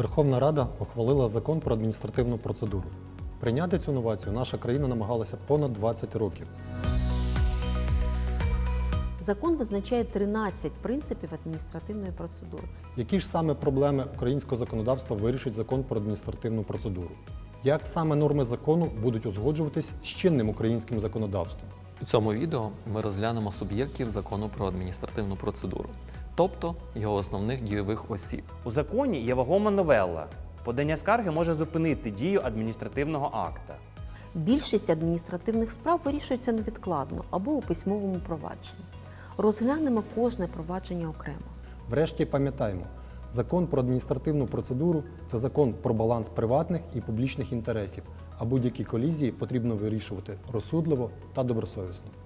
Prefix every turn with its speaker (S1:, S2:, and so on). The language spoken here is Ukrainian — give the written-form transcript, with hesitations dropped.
S1: Верховна Рада ухвалила закон про адміністративну процедуру. Прийняти цю новацію наша країна намагалася понад 20 років.
S2: Закон визначає 13 принципів адміністративної процедури.
S1: Які ж саме проблеми українського законодавства вирішить закон про адміністративну процедуру? Як саме норми закону будуть узгоджуватись з чинним українським законодавством?
S3: У цьому відео ми розглянемо суб'єктів закону про адміністративну процедуру, тобто його основних дійових осіб.
S4: У законі є вагома новела. Подання скарги може зупинити дію адміністративного акта.
S2: Більшість адміністративних справ вирішується невідкладно або у письмовому провадженні. Розглянемо кожне провадження окремо.
S1: Врешті пам'ятаємо, закон про адміністративну процедуру – це закон про баланс приватних і публічних інтересів, а будь-які колізії потрібно вирішувати розсудливо та добросовісно.